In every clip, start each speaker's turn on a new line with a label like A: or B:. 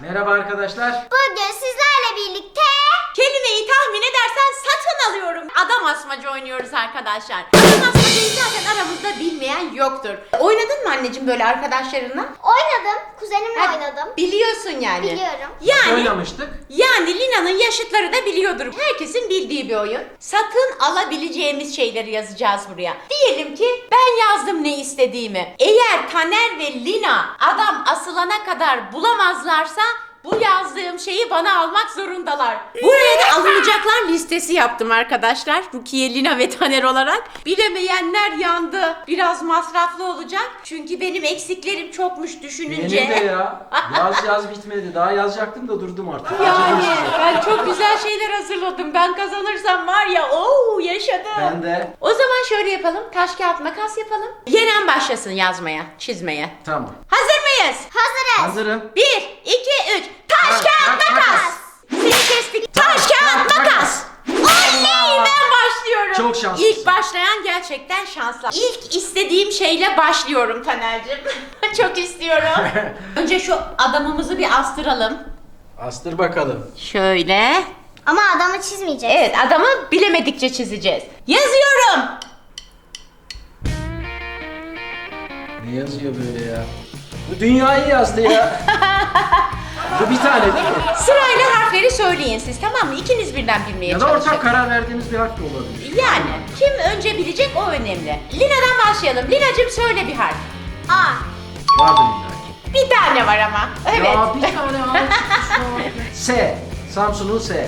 A: Merhaba arkadaşlar.
B: Bugün sizlerle birlikte
C: kelimeyi tahmin edersen satın alıyorum. Adam asmaca oynuyoruz arkadaşlar. Adam asmacayı zaten aramızda bilmeyen yoktur. Oynadın mı anneciğim böyle arkadaşlarınla?
B: oynadım. Kuzenimle
C: Ha,
B: oynadım.
C: Biliyorsun yani.
B: Biliyorum.
C: Yani
A: Oynamıştık.
C: Lina'nın yaşıtları da biliyordur. Herkesin bildiği bir oyun. Satın alabileceğimiz şeyleri yazacağız buraya. Diyelim ki ben yazdım ne istediğimi. Eğer Taner ve Lina adam asılana kadar bulamazlarsa bu yazdığım şeyi bana almak zorundalar. Buraya da alınacaklar listesi yaptım arkadaşlar. Rukiye, Lina ve Taner olarak. Bilemeyenler yandı. Biraz masraflı olacak. Çünkü benim eksiklerim çokmuş düşününce.
A: Benim de ya. Yaz bitmedi. Daha yazacaktım da durdum artık. Acıdım
C: Yani
A: size.
C: ben çok güzel şeyler hazırladım. Ben kazanırsam var ya yaşadım.
A: Ben de.
C: O zaman şöyle yapalım. Taş kağıt makas yapalım. Yenen başlasın yazmaya, çizmeye.
A: Tamam.
C: Hazır mıyız?
B: Hazırız.
A: Hazırım.
C: 1, 2, 3. Taş kağıt makas. Seni kestik. Taş kağıt makas. Oley, ben başlıyorum.
A: Çok şanslısın.
C: İlk başlayan gerçekten şanslı. İlk istediğim şeyle başlıyorum Taner'cim. Çok istiyorum. Önce şu adamımızı bir astıralım.
A: Astır bakalım.
C: Şöyle.
B: Ama adamı çizmeyeceğiz.
C: Evet, adamı bilemedikçe çizeceğiz. Yazıyorum.
A: Ne yazıyor böyle ya? Bu dünyayı yazdı ya. Bu bir tane değil mi?
C: Sırayla harfleri söyleyin siz, tamam mı? İkiniz birden bilmeye
A: Ya da
C: çalışın.
A: ortak karar verdiğimiz bir harf de olabilir.
C: Yani kim önce bilecek o önemli. Lina'dan başlayalım. Lina'cığım söyle bir harf.
B: A.
A: Vardır illa ki.
C: Bir tane var ama. Evet.
A: Ya bir tane harf. S. Samsun'un S.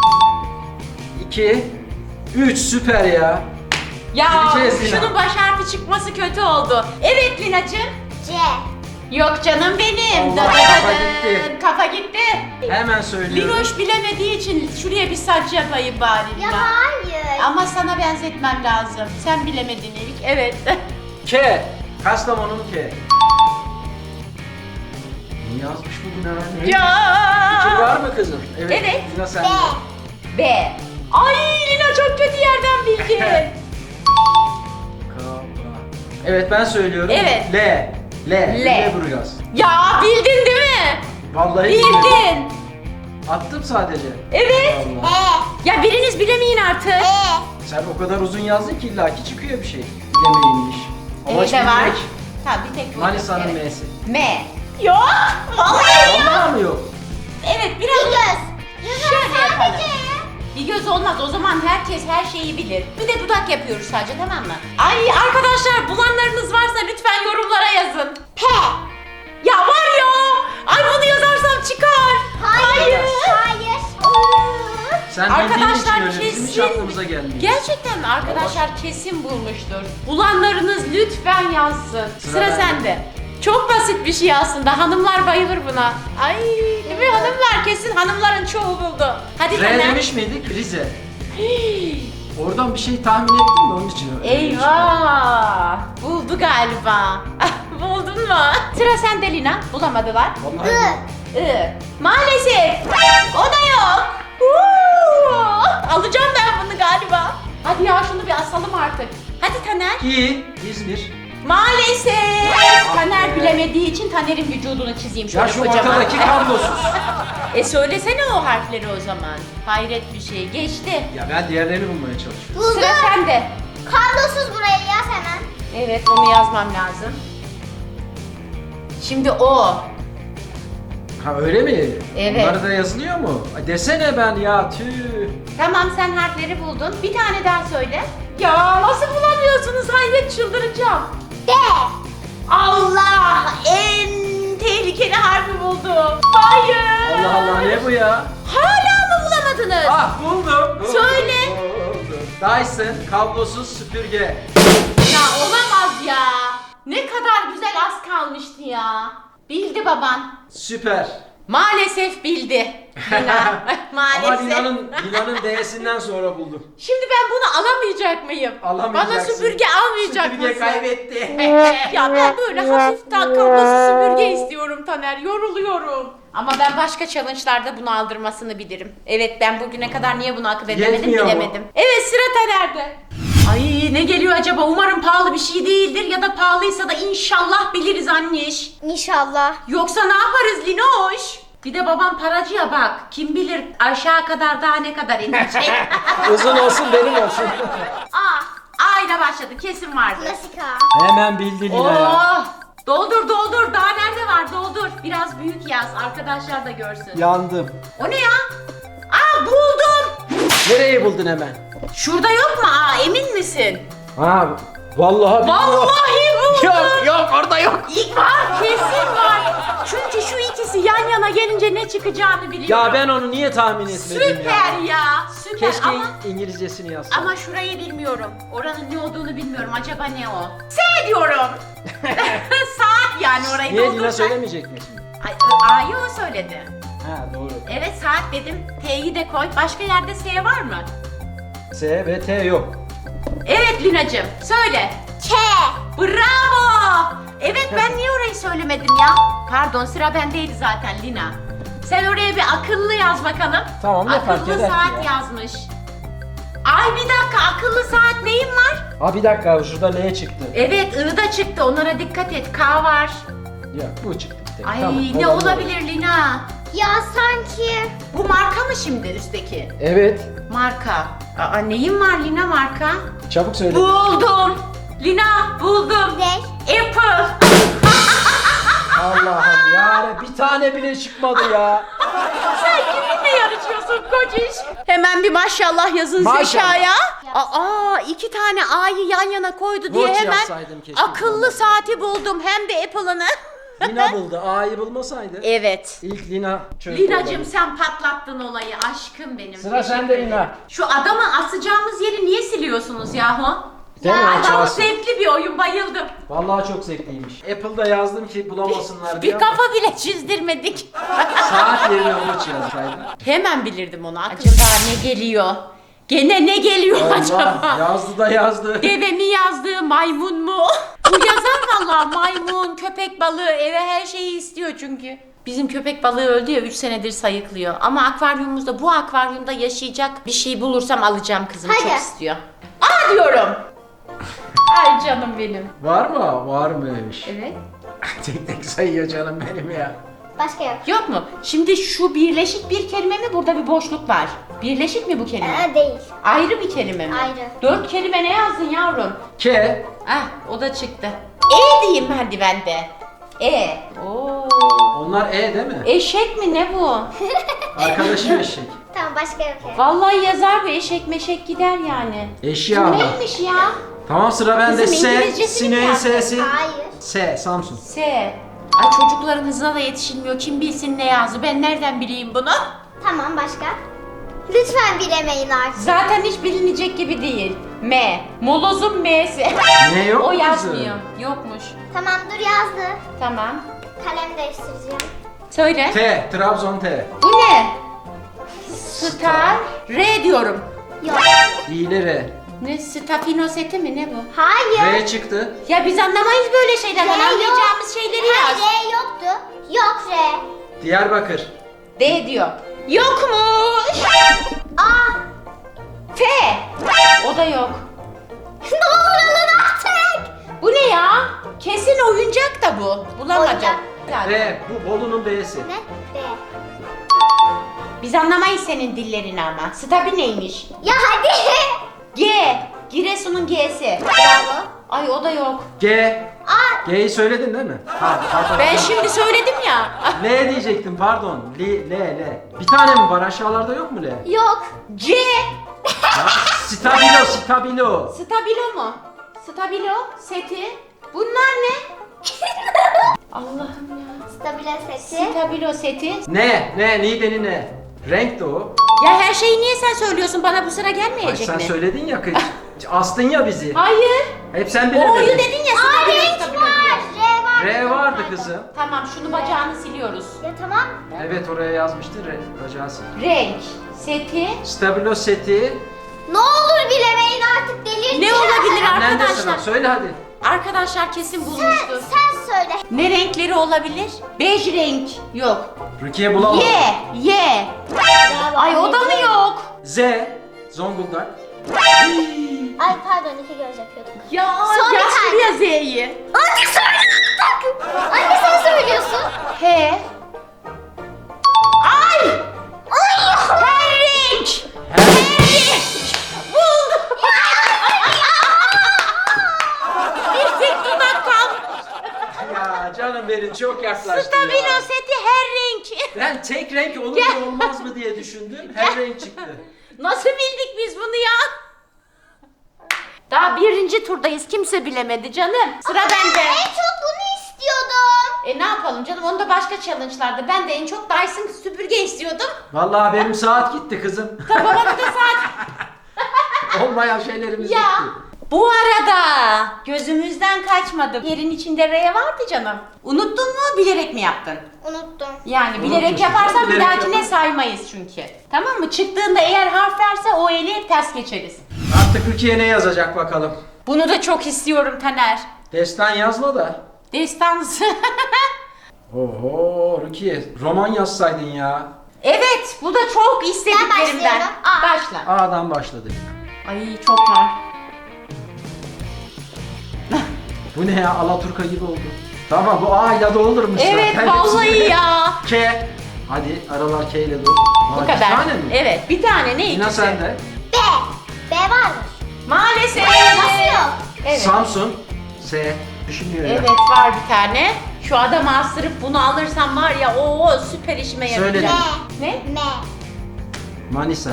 A: 2 3 süper ya.
C: Ya
A: Bileceğiz Lina.
C: şunun baş harfi çıkması kötü oldu. Evet Lina'cığım.
B: C.
C: Yok canım benim.
A: Allah,
C: Da da da
A: kafa
C: da.
A: gitti.
C: Kafa gitti.
A: Hemen söylüyorum.
C: Linoş bilemediği için şuraya bir saç yapayım bari
B: Ya
C: Lina.
B: hayır.
C: Ama sana benzetmem lazım. Sen bilemedin ilk. Evet.
A: K. Kastamonu'nun K. Ne yazmış bu Lina? Ne? Fikir var
C: Ya.
A: mı kızım?
C: Evet.
A: Lina sen
B: B.
A: de.
C: B. Ay Lina çok kötü yerden bildi.
A: Evet ben söylüyorum.
C: Evet.
A: L. Lüleburgaz.
C: Ya bildin değil mi?
A: Vallahi bilmiyorum.
C: Bildin.
A: Attım sadece.
C: Evet.
A: Allah.
B: E.
C: Ya biriniz bilemeyin artık.
B: E.
A: Sen o kadar uzun yazdın ki illaki çıkıyor bir şey. Bilemeyinmiş. Amaç
C: de var.
A: bilmek.
C: Ha bir tek bu.
A: Manisa'nın
C: Evet.
A: M'si.
C: M. Yok. Vallahi yok.
A: Vallahi mı yok?
C: Evet
B: Bir
C: biraz.
B: göz.
C: Şöyle yapalım.
B: Sadece.
C: Bir göz olmaz. O zaman herkes her şeyi bilir. Bir de dudak yapıyoruz sadece, tamam mı? Ay arkadaşlar, bulanlarınız varsa lütfen yorumlara yazın.
B: P.
C: Ya var ya. Ay bunu yazarsam çıkar.
B: Hayır. Hayır.
A: Sen bildiğin için
C: Arkadaşlar
A: öyle bizim hiç
C: kesin.
A: aklımıza gelmiyor.
C: Gerçekten mi? Arkadaşlar kesin bulmuştur. Bulanlarınız lütfen yazsın. Sıra
A: bende.
C: sende. Çok basit bir şey aslında. Hanımlar bayılır buna. Ay değil mi hanımlar? Kesin hanımların çoğu buldu. Hadi
A: R
C: Taner.
A: demiş miydik? Rize. Oradan bir şey tahmin ettim de onun için. öyle demiştim.
C: Eyvah! Buldu galiba. Buldun mu? Sıra sende Lina. Bulamadılar.
A: Vallahi
B: I.
A: yok.
C: Maalesef. O da yok. Uuu! Alacağım ben bunu galiba. Hadi ya şunu bir asalım artık. Hadi Taner.
A: İ. İzmir.
C: Maalesef. Taner bilemediği için Taner'in vücudunu çizeyim şöyle
A: Ya şu
C: kocaman.
A: ortadaki kablosuz.
C: Söylesene o harfleri o zaman. Hayret bir şey. Geçti.
A: Ya ben diğerlerini bulmaya çalışıyorum.
B: Buldum.
C: Sıra sende.
B: Kablosuz burayı yaz hemen.
C: Evet, onu yazmam lazım. Şimdi o.
A: Ha öyle mi?
C: Evet.
A: Bunları da yazılıyor mu? Ay desene ben ya tüh.
C: Tamam, sen harfleri buldun. Bir tane daha söyle. Ya nasıl bulamıyorsunuz? Hayret, çıldıracağım.
B: D.
C: Allah! En tehlikeli harfi buldum. Hayır!
A: Allah Allah ne bu ya?
C: Hala mı bulamadınız?
A: Ah buldum.
C: Söyle.
A: Buldum. Dyson kablosuz süpürge.
C: Ya olamaz ya. Ne kadar güzel, az kalmıştı ya. Bildi baban.
A: Süper.
C: Maalesef bildi. Lina. Maalesef.
A: Ama Lina'nın D'sinden sonra buldum.
C: Şimdi ben bunu alamayacak mıyım?
A: Alamayacaksın.
C: Bana süpürge almayacak
A: Süpürge
C: mısın?
A: kaybetti.
C: Ya ben böyle hafif kablosuz süpürge istiyorum Taner. Yoruluyorum. Ama ben başka challenge'larda bunu aldırmasını bilirim. Evet, ben bugüne kadar niye bunu akıl edemedim
A: Yetmiyor mu?
C: bilemedim. Evet, sıra Taner'de. Ay ne geliyor acaba? Umarım pahalı bir şey değildir ya da pahalıysa da inşallah biliriz anneş.
B: İnşallah.
C: Yoksa ne yaparız Linoş? Bir de babam paracıya bak. Kim bilir aşağı kadar daha ne kadar inecek.
A: Uzun olsun benim olsun.
C: A ile başladı. Kesin vardı.
B: Klasik A.
A: Hemen bildi Lina ya.
C: Oh! Doldur doldur. Daha nerede var? Doldur. Biraz büyük yaz. Arkadaşlar da görsün.
A: Yandım.
C: O ne ya? Buldum.
A: Nereyi buldun hemen?
C: Şurada yok mu? Emin misin?
A: Ha vallahi bilmiyorum.
C: Vallahi buldum.
A: Yok orada yok.
C: İlk var. Kesin var. Çünkü şu ikisi yan yana gelince ne çıkacağını biliyorum.
A: Ya ben onu niye tahmin etmedim
C: Süper ya. Süper
A: Keşke
C: ama...
A: İngilizcesini yazsın.
C: Ama şurayı bilmiyorum. Oranın ne olduğunu bilmiyorum. Acaba ne o? S diyorum. Saat yani orayı
A: Niye Lina
C: doldursak.
A: söylemeyecek mi şimdi?
C: A'yı o söyledi.
A: Ha doğru.
C: Evet saat dedim. T'yi de koy. Başka yerde S var mı?
A: S ve T yok.
C: Evet Lina'cığım. Söyle.
B: K.
C: Bravo. Evet ben niye orayı söylemedim ya? Pardon sıra bendeydi zaten Lina. Sen oraya bir akıllı yaz bakalım.
A: Tamam, ne fark
C: Akıllı
A: eder ki
C: saat
A: ya?
C: yazmış. Ay bir dakika akıllı saat neyin var?
A: Ha bir dakika şurada L çıktı.
C: Evet I da çıktı onlara dikkat et. K var.
A: Ya bu çıktı bir tek.
C: Ay
A: Tamam,
C: ne
A: olabilir.
C: olabilir Lina?
B: Ya sanki.
C: Bu marka mı şimdi üstteki?
A: Evet.
C: Marka. Neyin var Lina marka?
A: Çabuk söyle.
C: Buldum. Lina buldum.
B: Ne?
C: Apple.
A: Allah'ım ya bir tane bile çıkmadı ya.
C: Sen kiminle yarışıyorsun kociş? Hemen bir maşallah yazın
A: Maşallah.
C: zekaya. İki tane A'yı yan yana koydu diye
A: Watch
C: hemen
A: yazsaydım keşke.
C: akıllı saati buldum. Hem de Apple'ını.
A: Lina buldu. A'yı bulmasaydı.
C: Evet.
A: İlk Lina çözdü.
C: Lina'cığım
A: olayı.
C: sen patlattın olayı aşkım benim.
A: Sıra
C: Teşekkür
A: sende
C: ederim.
A: Lina.
C: Şu adamı asacağımız yeri niye siliyorsunuz yahu?
A: Değil mi?
C: Adam
A: Açarsın.
C: zevkli bir oyun bayıldım.
A: Vallahi çok zevkliymiş. Apple'da yazdım ki bulamasınlar diye.
C: Bir kafa bile çizdirmedik.
A: Saat yerine Watch yazsaydım.
C: Hemen bilirdim onu. Acaba ne geliyor? Gene ne geliyor
A: Allah
C: acaba?
A: yazdı da yazdı.
C: Deve mi yazdı, maymun mu? Bu yazar valla maymun, köpek balığı eve her şeyi istiyor çünkü. Bizim köpek balığı öldü ya 3 senedir sayıklıyor. Ama akvaryumumuzda bu akvaryumda yaşayacak bir şey bulursam alacağım kızım
B: Hadi.
C: çok istiyor. Aa diyorum. Ay canım benim.
A: Var mı? Varmış.
C: Evet.
A: Tek tek sayıyor canım benim ya.
B: Başka yok.
C: Yok mu? Şimdi şu birleşik bir kelime mi? Burada bir boşluk var. Birleşik mi bu kelime?
B: Değil.
C: Ayrı bir kelime mi?
B: Ayrı.
C: 4 kelime ne yazdın yavrum?
A: K.
C: Ah o da çıktı. E diyeyim hadi ben de. Oo.
A: Onlar E değil mi?
C: Eşek mi ne bu?
A: Arkadaşım eşek.
B: Tamam başka yok.
C: Vallahi yazar bu eşek meşek gider yani.
A: Eşya
C: Bu
A: ama.
C: neymiş ya?
A: Tamam sıra bende.
C: Bizim
A: S.
C: İngilizcesini mi
A: Sineğin
C: yazdın?
A: S'si.
B: Hayır.
A: S. Samsun.
C: S. Ay çocukların hızına da yetişilmiyor. Kim bilsin ne yazdı? Ben nereden bileyim bunu?
B: Tamam başka. Lütfen bilemeyin artık.
C: Zaten hiç bilinecek gibi değil. M. Molozun M'si.
A: Ne yok
C: O
A: mu
C: yazmıyor. Yokmuş.
B: Tamam dur yazdı.
C: Tamam.
B: Kalem değiştireceğim.
C: Söyle.
A: T. Trabzon T.
C: Bu ne? Star. R diyorum.
B: Yok.
A: İğne R.
C: Ne? Stafino seti mi ne bu?
B: Hayır.
A: R çıktı.
C: Ya biz anlamayız böyle şeylerden.
B: R yok.
C: Anlayacağımız şeyleri
B: Hayır,
C: yaz.
B: R yoktu. Yok R.
A: Diyarbakır.
C: D diyor. Yokmuş.
B: A.
C: F. O da yok.
B: Ne olur alın artık.
C: Bu ne ya? Kesin oyuncak da bu. Bulamadım.
B: Oyuncak.
A: B. Bu Bolu'nun B'si.
B: Ne? B.
C: Biz anlamayız senin dillerini ama. Stabi neymiş?
B: Ya hadi.
C: G. Giresun'un G'si.
B: Bravo.
C: Ay o da yok.
A: G.
B: A.
A: G'yi söyledin değil mi? Pardon.
C: Ben şimdi söyledim ya.
A: L diyecektim pardon. L. Bir tane mi var aşağılarda yok mu L?
B: Yok.
C: C.
A: Stabilo. Stabilo.
C: Stabilo mu? Stabilo seti. Bunlar ne? Allah'ım ya.
B: Stabile seti.
C: Stabilo seti.
A: Ne? Niğde'nin ne? Renk de o.
C: Ya her şeyi niye sen söylüyorsun? Bana bu sıra
A: Ay
C: gelmeyecek
A: sen
C: mi?
A: söyledin ya kız. Astın ya bizi.
C: Hayır.
A: Hep sen
C: O'yu
A: bilemedin.
C: dedin ya.
B: Aa
C: Stabilo,
B: renk
C: stabilo
B: var.
C: diye.
B: R var.
A: R vardı kızım.
C: Tamam şunu bacağını siliyoruz.
B: Ya tamam.
A: Evet oraya yazmıştın bacağısın.
C: Renk, seti.
A: Stabilo seti.
B: Ne olur bilemeyin artık delireceğim.
C: Ne olabilir
A: Annen de sıra.
C: arkadaşlar?
A: Söyle hadi.
C: Arkadaşlar kesin bulmuştur.
B: Sen söyle.
C: Ne renkleri olabilir? Bej renk. Yok.
A: Rukiye bulalım.
C: Y.
B: Bravo.
C: Ay o da mı yok?
A: Z. Zonguldak.
B: Ay pardon iki göz yapıyorduk.
C: Ya
B: Son bir
C: yaz
B: tane.
C: şuraya Z'yi.
B: Anne söyle artık. Anne sen söylüyorsun.
C: H.
A: çok yaklaştı
C: Stabilo
A: ya.
C: seti her renk.
A: Ben tek renk olur mu olmaz mı diye düşündüm. Her renk çıktı.
C: Nasıl bildik biz bunu ya? Daha birinci turdayız. Kimse bilemedi canım. Sıra bende.
B: En çok bunu istiyordum.
C: Ne yapalım canım? Onu da başka challenge'larda. Ben de en çok Dyson süpürge istiyordum.
A: Vallahi benim saat gitti kızım.
C: Babama bir de saat.
A: Olmayan şeylerimiz
C: Ya.
A: gitti.
C: Bu arada gözümüzden kaçmadı. Yerin içinde R vardı canım. Unuttun mu? Bilerek mi yaptın?
B: Unuttum.
C: Yani bilerek
A: Unutuyorsun.
C: yaparsan bir
A: Bilerek
C: dahakine
A: yaparım.
C: saymayız çünkü. Tamam mı? Çıktığında eğer harf verse o eli ters geçeriz.
A: Artık Rukiye ne yazacak bakalım.
C: Bunu da çok istiyorum Taner.
A: Destan yazma da.
C: Destansı.
A: Oho Rukiye roman yazsaydın ya.
C: Evet, bu da çok istediklerimden.
B: başlıyorum. A.
C: Başla.
A: A'dan başladık.
C: Ay çok var.
A: Bu ne ya Alaturka gibi oldu. Tamam bu A ile doldurmuş
C: Evet,
A: zaten.
C: vallahi
A: Hepsini.
C: ya.
A: K. Hadi aralar K ile doldur.
C: Bu kadar.
A: Bir tane mi?
C: Evet, bir tane ne
A: Yine
C: ikisi?
A: sende.
B: B. B varmış.
C: Maalesef.
B: Nasıl yok?
C: Evet.
A: Samsun. S. Düşünüyor ya.
C: Evet var bir tane. Şu adamı astırıp bunu alırsam var ya o süper işime yarayacak.
A: Söyledim.
C: Ne?
B: M.
A: Manisa.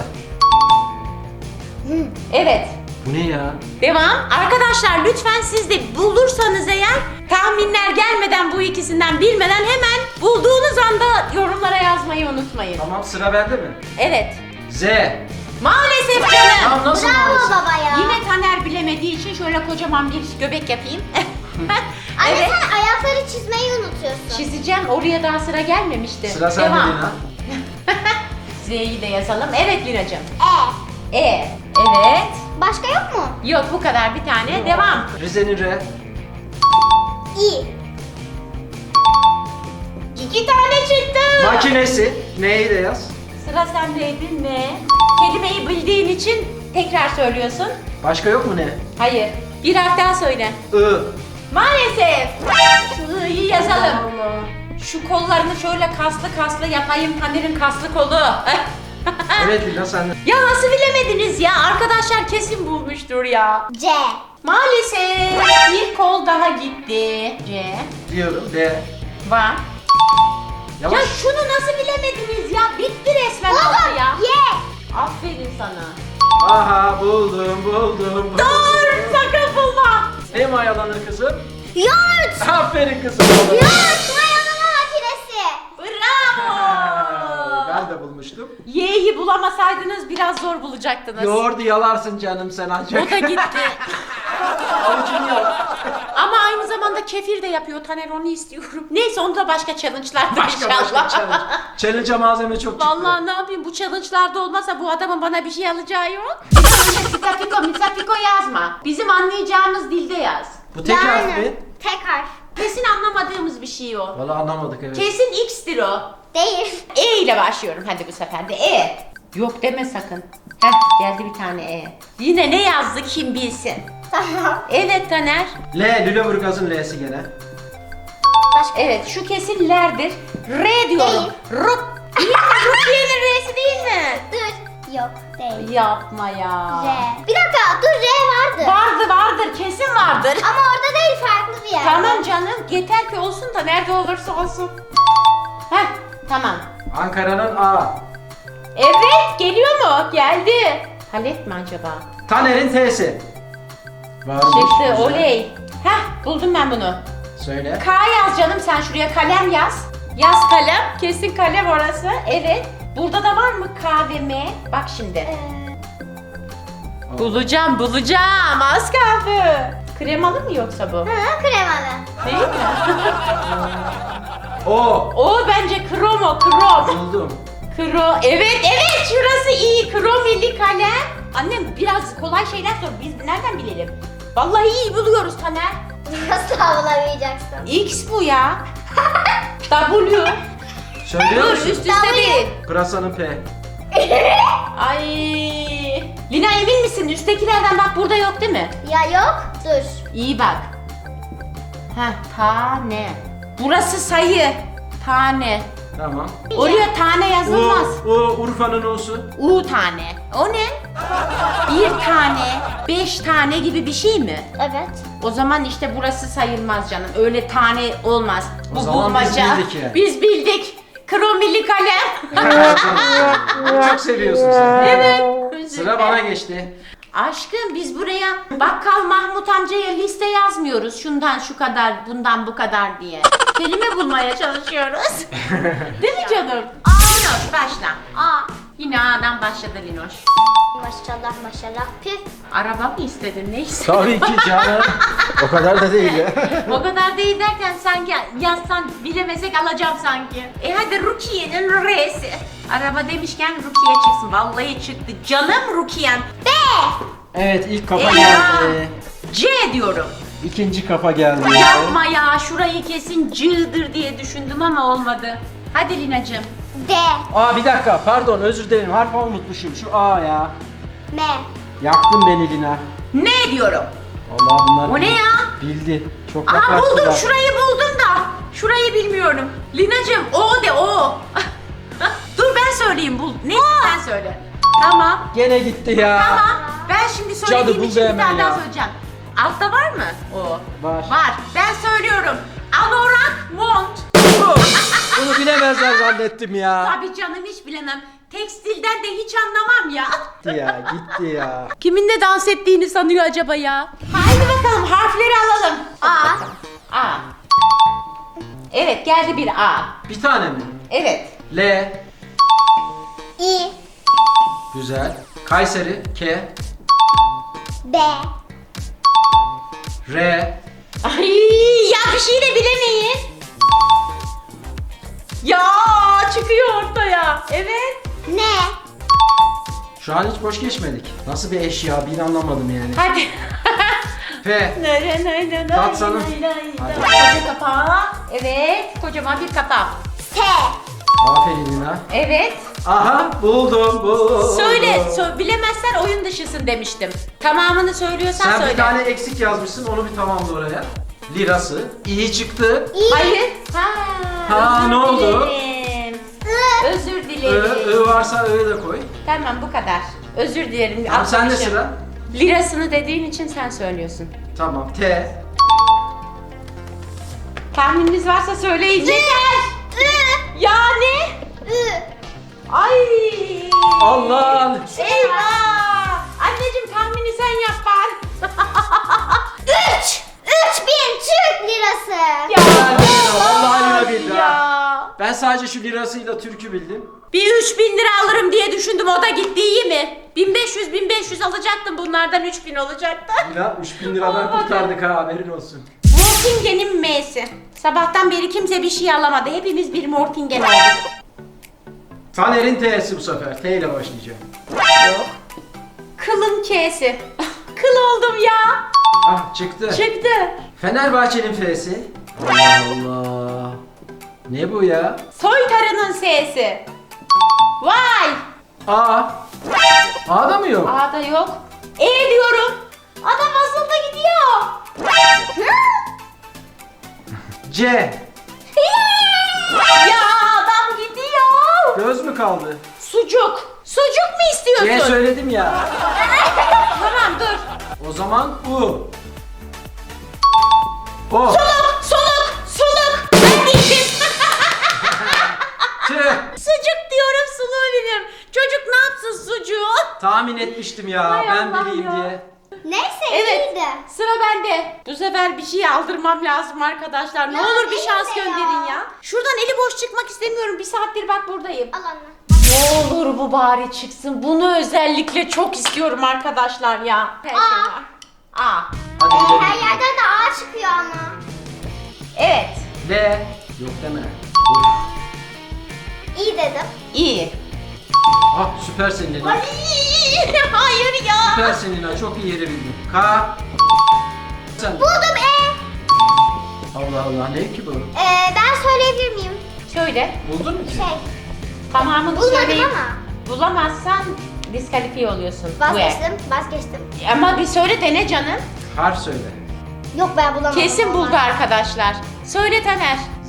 C: Evet.
A: Bu ne ya?
C: Devam. Arkadaşlar lütfen siz de bulursanız eğer tahminler gelmeden bu ikisinden bilmeden hemen bulduğunuz anda yorumlara yazmayı unutmayın.
A: Tamam sıra bende mi?
C: Evet.
A: Z.
C: Maalesef canım.
A: Tamam nasıl
B: Bravo
A: maalesef?
B: baba ya.
C: Yine Taner bilemediği için şöyle kocaman bir göbek yapayım.
B: Anne
C: Evet.
B: sen ayakları çizmeyi unutuyorsun.
C: Çizeceğim. Oraya daha sıra gelmemişti.
A: Sıra sende
C: Devam.
A: Lina.
C: Z'yi de yazalım. Evet Lina'cığım.
B: E.
C: Evet.
B: Başka yok mu?
C: Yok bu kadar bir tane. Devam.
A: Rize'nin R.
B: İ.
C: 2 tane çıktı.
A: Makinesi. N'yi de yaz.
C: Sıra sendeydi. Ne? Kelimeyi bildiğin için tekrar söylüyorsun.
A: Başka yok mu ne?
C: Hayır. Bir harf daha söyle.
A: I.
C: Maalesef. Şu i'yi yazalım. Şu kollarını şöyle kaslı kaslı yapayım. Taner'in kaslı kolu.
A: Evet Lina sende.
C: Ya nasıl bilemediniz ya? Arkadaşlar kesin bulmuştur ya.
B: C.
C: Maalesef bir kol daha gitti. C.
A: Diyorum. D.
C: Var.
A: Yavaş.
C: Ya şunu nasıl bilemediniz ya? Bitti resmen altı
B: Buldum.
C: ya.
B: Y.
C: Aferin sana.
A: Aha buldum.
C: Dur sakın bulma.
A: Ne mayalanır kızım?
B: Yoğurt.
A: Aferin kızım.
B: Yoğurt mayalama makinesi.
C: Bravo.
A: Ben de bulmuştum.
C: Y'yi bulamasaydınız biraz zor bulacaktınız.
A: Yoğurdu yalarsın canım sen ancak.
C: O da gitti.
A: Avucunu yal.
C: Ama aynı zamanda kefir de yapıyor Taner, onu istiyorum. Neyse onu da başka challenge'larda
A: Başka
C: inşallah.
A: challenge. Challenge'a malzeme çok çıktı.
C: Vallahi ne yapayım, bu challenge'larda olmasa bu adamın bana bir şey alacağı yok. Misafiko yazma. Bizim anlayacağımız dilde yaz.
A: Bu tek harf
B: Yani.
A: mi?
B: Tek harf.
C: Kesin anlamadığımız bir şey o.
A: Vallahi anlamadık evet.
C: Kesin X'tir o.
B: Değil.
C: E ile başlıyorum hadi bu sefer de. E. Yok deme sakın. Heh geldi bir tane E. Yine ne yazdı kim bilsin.
B: Tamam.
C: Evet Taner.
A: L. Lüleburgaz'ın L'si gene.
B: Başka.
C: Evet şu kesin L'dir. R diyorum.
B: Değil.
C: Değil mi? Rukiye'nin R'si değil mi?
B: Dur. Yok değil.
C: Yapma ya.
B: R. Bir dakika dur R vardı.
C: Vardır kesin vardır.
B: Ama orada değil farklı bir yerde.
C: Tamam canım yeter ki olsun da nerede olursa olsun. Heh tamam.
A: Ankara'nın A.
C: Evet geliyor mu? Geldi. Halep mi acaba?
A: Taner'in T'si. Varmış.
C: Çıktı
A: güzel.
C: oley. Heh buldum ben bunu.
A: Söyle.
C: K yaz canım sen şuraya, kalem yaz. Yaz kalem. Kesin kalem orası. Evet. Burada da var mı K ve M? Bak şimdi. Bulacağım. Az kaldı. Kremalı mı yoksa bu?
B: Hı, kremalı.
C: Değil mi?
A: O.
C: O bence krom.
A: Buldum.
C: Evet şurası iyi. Kromili kalem. Annem biraz kolay şeyler sor. Biz nereden bilelim? Vallahi iyi buluyoruz Taner.
B: Nasıl bulamayacaksın?
C: X bu ya. W.
A: Söylüyor
C: Dur
A: musun?
C: üst üste değil.
A: Pırasanın P.
C: Ay. Lina emin misin? Üsttekilerden bak burada yok değil mi?
B: Ya yok. Dur.
C: İyi bak. Heh tane. Burası sayı. Tane.
A: Tamam.
C: Oraya tane yazılmaz.
A: Urfa'nın O'su.
C: U tane. O ne? Bir tane, 5 tane gibi bir şey mi?
B: Evet.
C: O zaman işte burası sayılmaz canım. Öyle tane olmaz.
A: O
C: Bu
A: zaman biz
C: bulmaca.
A: bildik yani.
C: Biz bildik. Kromili kalem.
A: Çok seviyorsun sen.
C: Evet.
A: Sıra bana geçti.
C: Aşkım biz buraya Bakkal Mahmut amcaya liste yazmıyoruz. Şundan şu kadar, bundan bu kadar diye. Kelime bulmaya çalışıyoruz. Değil mi canım? Linoş başla.
B: A.
C: Yine A'dan başladı Linoş.
B: Maşallah maşallah. Püf.
C: Araba mı istedin? Ne istedin?
A: Tabii ki canım. O kadar da değil ya.
C: O kadar değil derken sanki yazsan bilemesek alacağım sanki. Hadi Rukiye'nin R'si. Araba demişken Rukiye çıksın. Vallahi çıktı. Canım Rukiye'm.
B: B.
A: Evet, ilk kafa
C: Eyvah.
A: geldi.
C: C diyorum.
A: İkinci kafa geldi.
C: Yapma ya, şurayı kesin C'dir diye düşündüm ama olmadı. Hadi Linacığım.
B: D.
A: Aa, bir dakika, pardon, özür dilerim, harf unutmuşum. Şu A ya.
B: M.
A: Yaktın beni Lina.
C: Ne diyorum?
A: Allah, bunlar
C: O ne ya?
A: bildi. Çok
C: Aa
A: yaklaştılar.
C: buldum, şurayı buldum da. Şurayı bilmiyorum. Linacığım o de o. Dur ben söyleyeyim, bul. Neyse sen söyle. Tamam.
A: Gene gitti ya.
C: Tamam. Ben şimdi söylediğim
A: Cadı buldu
C: için bir
A: hemen
C: tane daha
A: ya.
C: söyleyeceğim. Altta var mı o?
A: Var.
C: Var. Ben söylüyorum. Anorak mont.
A: Bunu bilemezler zannettim ya.
C: Tabii canım hiç bilemem. Tekstilden de hiç anlamam ya.
A: Gitti ya, gitti ya.
C: Kiminle dans ettiğini sanıyor acaba ya? Haydi bakalım harfleri alalım.
B: A.
C: A. Evet geldi bir A.
A: Bir tane mi?
C: Evet.
A: L.
B: I.
A: Güzel. Kayseri. K.
B: B.
A: R.
C: Ay ya bir şey de bilemeyin. Ya çıkıyor ortaya. Evet.
B: N.
A: Şu an hiç boş geçmedik. Nasıl bir eşya, bir anlamadım yani.
C: Hadi.
A: F. Tatsanım. Hadi.
C: Koca kapağı. Evet. Kocaman bir kapağı.
B: S.
A: Aferin Lina.
C: Evet.
A: Aha, buldum.
C: Söyle. Bilemezsen oyun dışısın demiştim. Tamamını söylüyorsan
A: Sen
C: söyle.
A: bir tane eksik yazmışsın, onu bir tamamla oraya. Lirası. İyi çıktı.
B: I.
C: Hayır.
A: Ha,
C: özür
A: ne oldu?
C: dilerim.
B: I.
C: Özür dilerim.
A: I varsa I'yı da koy.
C: Tamam bu kadar. Özür dilerim.
A: Tamam, sende
C: atlamışım.
A: sıra.
C: Lirasını dediğin için sen söylüyorsun.
A: Tamam, T.
C: Tahmininiz varsa söyleyin. Yeter.
B: I.
C: Ya ne?
B: I.
C: Ay.
A: Allah!
C: Eyvah. Anneciğim tahmini sen yap bari.
B: 3. 3000 Türk lirası.
C: Ya.
A: Vallahi Lina bildi ha.
C: Ya.
A: Ben sadece şu lirasıyla türkü bildim.
C: Bir 3000 lira alırım diye düşündüm, o da gitti, iyi mi? 1500 alacaktım, bunlardan 3000 olacaktı.
A: Lina 3000 liradan
C: Olmadı.
A: kurtardık ha, haberin olsun.
C: Mortingen'in M'si. Sabahtan beri kimse bir şey alamadı. Hepimiz bir Mortingen olduk.
A: Taner'in T'si bu sefer. T ile başlayacağım.
C: Yok. Kılın K'si. Kıl oldum ya.
A: Ah, çıktı.
C: Çıktı.
A: Fenerbahçe'nin F'si. Allah Allah. Ne bu ya?
C: Soytarının S'si. Vay.
A: A. A'da mı yok?
C: A'da yok. E diyorum. Adam aslında gidiyor.
A: C.
C: Ya adam gidiyor.
A: Göz mü kaldı?
C: Sucuk. Sucuk mu istiyorsun?
A: C söyledim ya.
C: Tamam dur.
A: O zaman U. O.
C: Soluk. Ben gittim.
A: T.
C: Sucuk diyorum, suluğu biliyorum. Çocuk ne yapsın sucuğu?
A: Tahmin etmiştim ya.
C: Hay
A: Ben
C: Allah
A: bileyim
C: ya.
A: diye.
B: Neyse
C: Evet.
B: iyiydi.
C: Sıra bende. Bu sefer bir şey aldırmam lazım arkadaşlar. Ne
B: Ya
C: olur bir
B: neyse
C: şans
B: ya.
C: gönderin ya. Şuradan eli boş çıkmak istemiyorum. Bir saattir bak buradayım.
B: Al anne.
C: Ne olur bu bari çıksın. Bunu özellikle çok istiyorum arkadaşlar ya. Her şey var. A.
A: Hadi gidelim.
B: Her yerden de A çıkıyor ama.
C: Evet.
A: L. Yok deme. Uf.
B: İyi dedim.
C: İyi.
A: Ah, süpersin Lina.
C: Ay, hayır ya.
A: Süpersin Lina. Çok iyi yeri bildin. K. Sen.
B: Buldum E.
A: Allah Allah, ne ki bu?
B: Ben söyleyebilir miyim?
C: Söyle.
A: Buldun mu ki?
B: Şey.
C: Tamamını
B: Bulmadım
C: söyleyip
B: ama.
C: bulamazsan diskalifiye oluyorsun. Bu
B: Vazgeçtim.
C: Ama bir söyle dene canım.
A: Harf söyle.
B: Yok ben bulamadım.
C: Kesin buldu
B: vallahi.
C: arkadaşlar. Söyle Taner.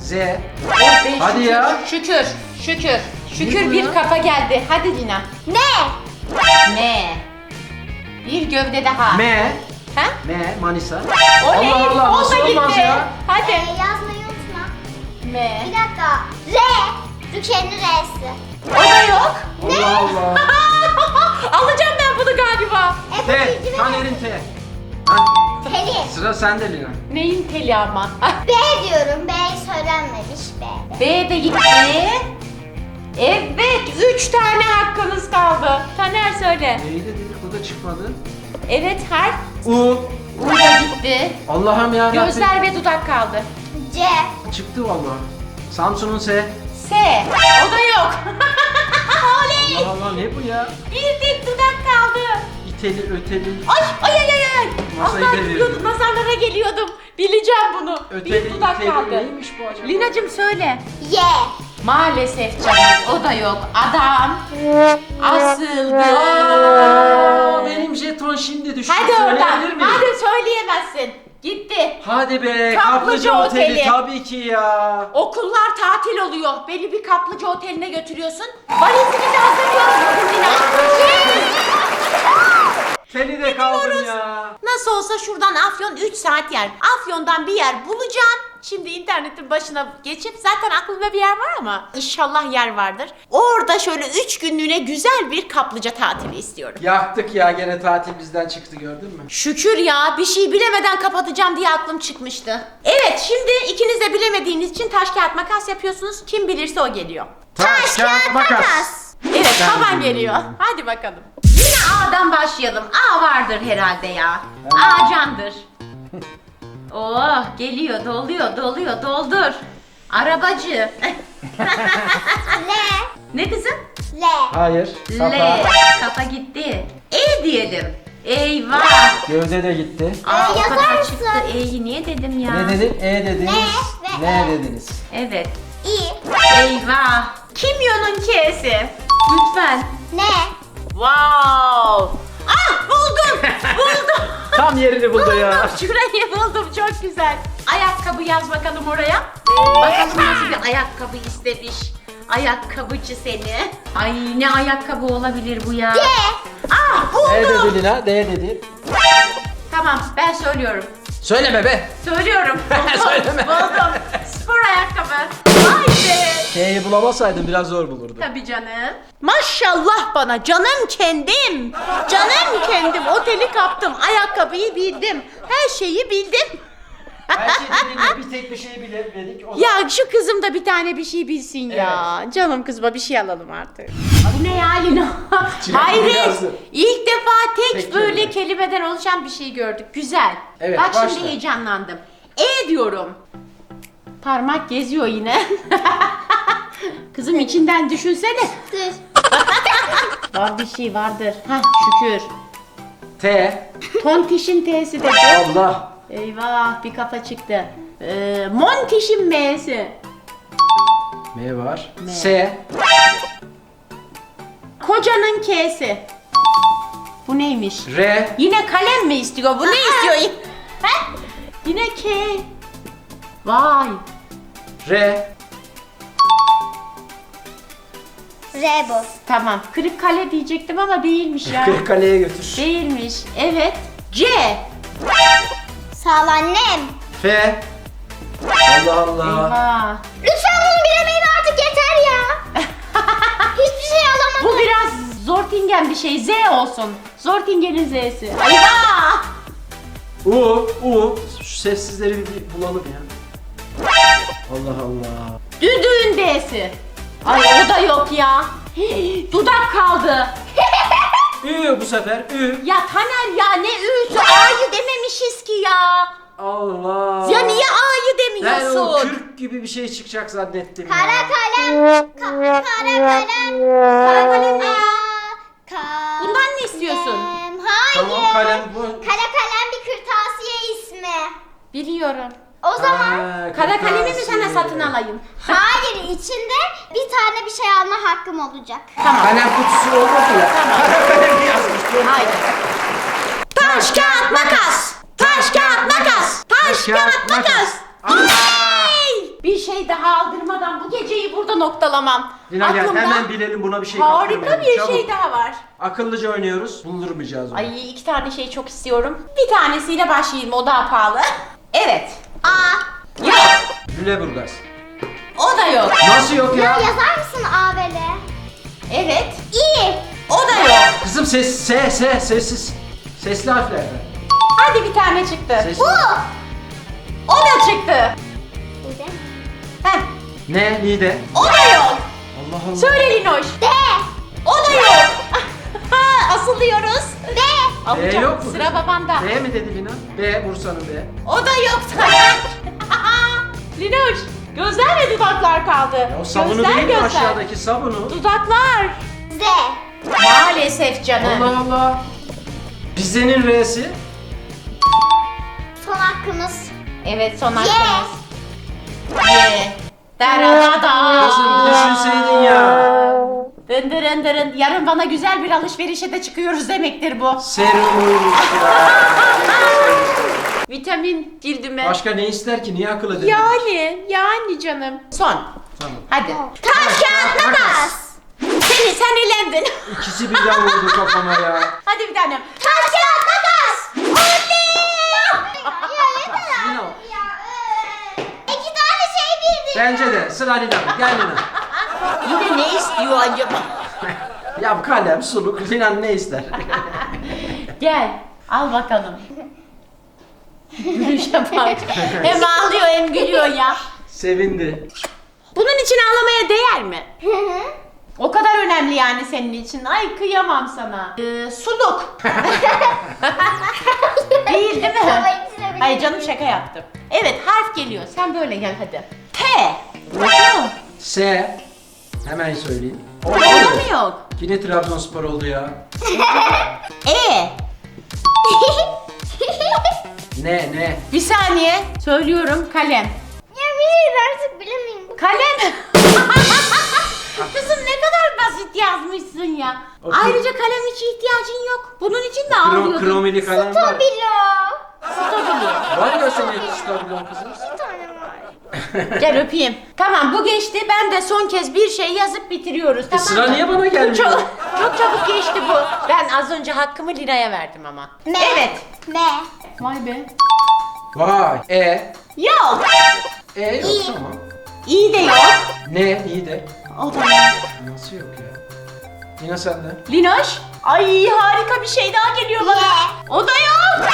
A: Z.
C: Oh be,
A: Hadi
C: şükür,
A: ya.
C: Şükür. Şükür. Şükür
A: bu
C: bir
A: ya?
C: kafa geldi. Hadi Lina.
B: Ne?
C: Ne? Bir gövde daha.
A: M.
C: Ha?
A: M. Manisa.
C: Oley,
A: Allah Allah,
C: o da
A: nasıl olmaz
C: gitti.
A: ya?
C: Hadi.
B: Yazmayı unutma.
C: M.
B: Bir dakika. R. Türkiye'nin R'si.
C: O da yok.
A: Allah Allah.
C: Alacağım ben bunu galiba.
A: T.
B: ipucu
A: Taner'in T. Ha,
B: Pelin.
A: sıra sende Lina.
C: Neyin teli ama?
B: B diyorum. B söylenmemiş B.
C: B de gitti. Evet, 3 tane hakkınız kaldı. Taner söyle.
A: Neydi dedik, o da çıkmadı.
C: Evet, harf.
A: U.
C: U da gitti.
A: Allah'ım ya.
C: Gözler ve dudak kaldı.
B: C.
A: Çıktı vallahi. Samsun'un S.
C: S. O da yok. Oley.
A: Allah Allah, ne bu ya?
C: Bir tek dudak kaldı.
A: İteli, öteli.
C: Ay ay ay ay ay.
A: Masayı
C: Allah
A: devirdim.
C: gidiyordum, nazarlara geliyordum. Bileceğim bunu.
A: Öteli,
C: bir dudak
A: iteli.
C: kaldı.
A: Neymiş bu acaba?
C: Linacığım söyle.
B: Y.
C: Maalesef canım, o da yok. Adam asıldı.
A: Aa, benim jeton şimdi düştü.
C: Hadi oradan.
A: Söyleyebilir miyim?
C: Hadi söyleyemezsin. Gitti.
A: Hadi be,
C: Kaplıca
A: Kaplıca Oteli.
C: Oteli.
A: Tabii ki ya.
C: Okullar tatil oluyor. Beni bir kaplıca oteline götürüyorsun. Valizimizi hazırlıyoruz bugün Lina.
A: Seni de kaldım ya.
C: Nasıl olsa şuradan Afyon 3 saat yer. Afyon'dan bir yer bulacağım. Şimdi internetin başına geçip zaten aklımda bir yer var ama inşallah yer vardır. Orada şöyle 3 günlüğüne güzel bir kaplıca tatili istiyorum.
A: Yaktık ya, gene tatil bizden çıktı, gördün mü?
C: Şükür ya, bir şey bilemeden kapatacağım diye aklım çıkmıştı. Evet, şimdi ikiniz de bilemediğiniz için taş kağıt makas yapıyorsunuz. Kim bilirse o geliyor.
A: Taş, kağıt, makas.
C: Evet,
A: Ben
C: baban
A: biliyorum.
C: geliyor. Hadi bakalım. Yine A'dan başlayalım. A vardır herhalde ya. A candır. Oh, geliyor, doluyor, doldur. Arabacı.
B: L.
C: Ne kızım?
B: L.
A: Hayır.
C: L. Kafa gitti. E diyelim. Eyvah.
A: Gövde de gitti.
C: Aa, o
B: yazar
C: kadar
B: mısın?
C: çıktı. E'yi niye dedim ya?
A: Ne dedin? E dediniz.
B: N ve
A: Ne
B: E.
A: dediniz?
C: Evet.
B: İ.
C: Eyvah. Kimyonun K'si. Lütfen.
B: N.
C: Wow. Ah, buldum. Buldum.
A: Tam yerini buldu ya.
C: Buldum. Şurayı buldum. Çok güzel. Ayakkabı yaz bakalım oraya. Bakalım nasıl bir ayakkabı istemiş. Ayakkabıcı seni. Ay, ne ayakkabı olabilir bu ya?
B: D.
C: Ah,
A: E
C: buldum.
A: dedi Lina, D dedi.
C: Tamam, ben söylüyorum.
A: Söyleme be.
C: Söylüyorum. Buldum.
A: Söyleme.
C: Buldum. Spor ayakkabı. Vay be.
A: K'yi bulamasaydın biraz zor bulurdu.
C: Tabii canım. Maşallah bana, canım kendim. Canım kendim. Oteli kaptım. Ayakkabıyı bildim. Her şeyi bildim.
A: Her şey dediğinde bir tek bir şey bilemedik. O
C: Ya şu kızım da bir tane bir şey bilsin ya. Canım kızıma bir şey alalım artık. Bu ne ya Lina? Hayret.
A: yazdı.
C: İlk defa tek
A: Tek
C: böyle
A: kelime.
C: kelimeden oluşan bir şey gördük. Güzel.
A: Evet,
C: Bak
A: başla.
C: şimdi heyecanlandım. E diyorum. Parmak geziyor yine. Kızım içinden düşünsene.
B: Dur.
C: Var bir şey vardır. Hah, şükür.
A: T.
C: Tontiş'in T'si de.
A: Allah.
C: Eyvah, bir kafa çıktı. Montiş'in M'si.
A: M var.
C: M.
A: S.
C: Kocanın K'si. Bu neymiş?
A: R.
C: Yine kalem mi istiyor? Bu ne istiyor? Ha? Yine K. Vay.
A: R.
B: R bu.
C: Tamam. Kırık kale diyecektim ama değilmiş ya.
A: Kırıkkale'ye götür.
C: Değilmiş. Evet. C.
B: Sağ ol annem.
A: F. Allah Allah.
C: Eyvah.
B: Lütfen bunu bilemeyin artık, yeter ya. Hiçbir şey alamadım.
C: Bu biraz Zortingen bir şey. Z olsun. Zortingen'in Z'si. Eyvah.
A: U. Şu sessizleri bir bulalım ya. Allah Allah.
C: Düdüğün D'si. Ay, o da yok ya. Hii, dudak kaldı.
A: Ü bu sefer. Ü.
C: Ya Taner ya, ne Ü'sü? A'yı dememişiz ki ya.
A: Allah.
C: Ya niye A'yı
A: Ben o
C: demiyorsun?
A: kürk gibi bir şey çıkacak zannettim ya.
B: Kara kalem. Kara kalem. Kara kalem.
C: Bundan ne istiyorsun?
B: Hayır.
A: Tamam, kalem bu.
B: Kara kalem bir kırtasiye ismi.
C: Biliyorum.
B: O zaman
A: Ha,
C: Kara kalemi mi
A: kırtasiye.
C: sana satın alayım?
B: hayır, içinde bir tane bir şey alma hakkım olacak.
C: Tamam.
A: Kalem kutusu olmadı ya. Kara kalemi yazmış.
C: Haydi. Taş, kağıt, makas. Taş, kağıt, makas. Taş, kağıt, makas. Ay! bir şey daha aldırmadan bu geceyi burada noktalamam.
A: Lina gel
C: Aklımda
A: hemen bilelim, buna bir şey
C: harika
A: kaptırmayalım.
C: bir
A: Çabuk.
C: şey daha var.
A: Akıllıca oynuyoruz. Buldurmayacağız onu.
C: Ay 2 tane şey çok istiyorum. Bir tanesiyle başlayayım, o daha pahalı. Evet.
B: A.
C: Yok.
A: Lüleburgaz.
C: O da yok.
A: Nasıl yok
B: Ya
A: ya?
B: yazar mısın A ve L?
C: Evet.
B: İ.
C: O da yok.
A: Kızım sessiz. Sesli harflerden.
C: Hadi bir tane çıktı.
A: Sesli.
B: Bu.
C: O da çıktı.
B: Bir de.
C: Heh.
A: Ne? Nide?
C: O da yok.
A: Allah Allah.
C: Söyle Linoş.
B: D.
C: O da yok. Asılıyoruz.
B: B.
C: Alacağım.
A: yok mu?
C: Sıra babanda.
A: B mi dedi Lina? B, Bursa'nın B.
C: O da yok. Linoş. Gözler ve dudaklar kaldı.
A: Ya o sabunu
C: Gözler,
A: değil mi
C: gözler.
A: aşağıdaki sabunu?
C: Dudaklar.
B: Z.
C: Maalesef canım.
A: Allah Allah. Rize'nin R'si.
B: Son hakkımız.
C: Evet son
B: Y.
C: hakkımız. Ye. Daradada.
A: Kızım bir düşünseydin ya.
C: Dındırın dırın. Yarın bana güzel bir alışverişe de çıkıyoruz demektir bu.
A: Serumuymuş ya.
C: Vitamin cildime.
A: Başka ne ister ki? Niye akıl edin?
C: Yani canım. Son.
A: Tamam.
C: Hadi.
B: Taş kağıt makas.
C: Sen elendin.
A: İkisi birden vurdu kafama ya.
C: Hadi bir tanem.
B: Taş kağıt makas. Ya yeter
A: Lina.
B: artık ya. 2 tane şey bildik.
A: Bence de. Sıra Lina'da. Gel Lina.
C: Yine ne istiyor acaba?
A: Ya kalem, suluk. Lina ne ister?
C: Gel. Al bakalım. Gülüşe bak. Hem ağlıyor hem gülüyor ya.
A: Sevindi.
C: Bunun için ağlamaya değer mi? O kadar önemli yani senin için. Ay kıyamam sana. Suluk. Değil mi?
B: Ama ikisine bile
C: Hayır canım şaka yaptım. Evet harf geliyor. Sen böyle gel hadi. T. Yok.
A: S. Hemen söyleyeyim.
C: Orada mı yok?
A: Yine Trabzonspor oldu ya.
C: E.
A: Ne?
C: Bir saniye. Söylüyorum kalem.
B: Ya bir artık bilemeyim.
C: Kalem. Kızım ne kadar basit yazmışsın ya.
A: Okey.
C: Ayrıca kalem hiç ihtiyacın yok. Bunun için de ağlıyordun.
A: Kromili kalem var.
B: Stabilo.
C: Stabilo.
A: Var ya senin stabilon kızım.
B: Bir tane var.
C: Gel öpeyim. Tamam bu geçti. Ben de son kez bir şey yazıp bitiriyoruz. Tamam
A: sıra
C: mı?
A: niye bana gelmiyor?
C: Çok çabuk geçti bu. Ben az önce hakkımı Lina'ya verdim ama.
B: M.
C: Evet.
B: M.
C: Vay be.
A: Vay. E.
C: Yok.
A: Yok
B: İyi.
A: tamam.
C: İyi de yok.
A: Ne? İyi de.
C: O da yok.
A: Nasıl yok ya? Yine sende.
C: Linoş. Ay harika bir şey daha geliyor bana.
B: Y.
C: O da yok.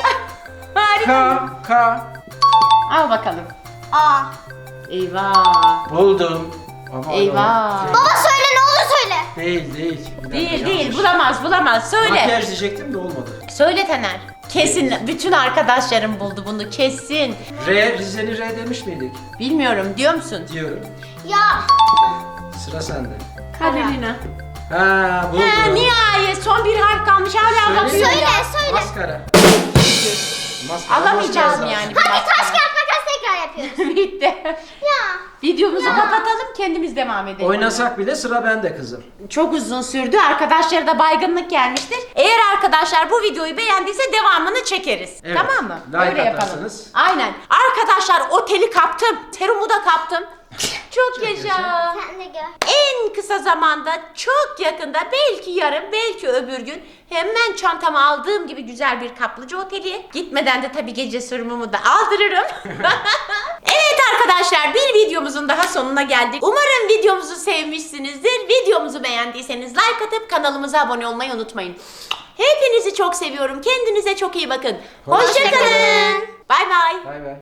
C: Harika.
A: K.
C: Al bakalım.
B: A.
C: Eyvah.
A: Buldum. Ama
C: Eyvah.
A: o-
B: Baba söyle ne olur söyle.
A: Değil. Bir dakika,
C: Değil
A: yanlış.
C: bulamaz söyle.
A: Makyaj diyecektim de olmadı.
C: Söyle Taner. Kesin bütün arkadaşlarım buldu bunu kesin.
A: Rize'li R demiş miydik?
C: Bilmiyorum diyor musun?
A: Diyorum.
B: Ya.
A: Sıra sende.
C: Hadi Lina.
A: Ha buldum.
C: Ha, nihayet son bir harf kalmış hala
A: Söyle.
C: bakıyor
B: Söyle
C: ya.
B: söyle.
A: Maskara. Maskara
C: Alamayacağım
A: maskara
C: yani.
B: Hadi taş kağıt makas tekrar yapıyoruz.
C: Bitti.
B: Ya.
C: Videomuzu kapatalım kendimiz devam edelim.
A: Oynasak bile sıra bende kızım.
C: Çok uzun sürdü. Arkadaşlara da baygınlık gelmiştir. Eğer arkadaşlar bu videoyu beğendiyse devamını çekeriz.
A: Evet.
C: Tamam mı?
A: Like
C: Öyle yapalım.
A: atarsınız.
C: Aynen. Arkadaşlar oteli kaptım. Serumu da kaptım. Çok yaşa.
B: Sen de gör.
C: En kısa zamanda çok yakında belki yarın belki öbür gün hemen çantama aldığım gibi güzel bir kaplıca oteli. Gitmeden de tabii gece serumumu da aldırırım. Evet arkadaşlar bir videomuzun daha sonuna geldik. Umarım videomuzu sevmişsinizdir. Videomuzu beğendiyseniz like atıp kanalımıza abone olmayı unutmayın. Hepinizi çok seviyorum. Kendinize çok iyi bakın.
A: Hoşça
C: Hoşça kalın. Bay bay.
A: Bay bay.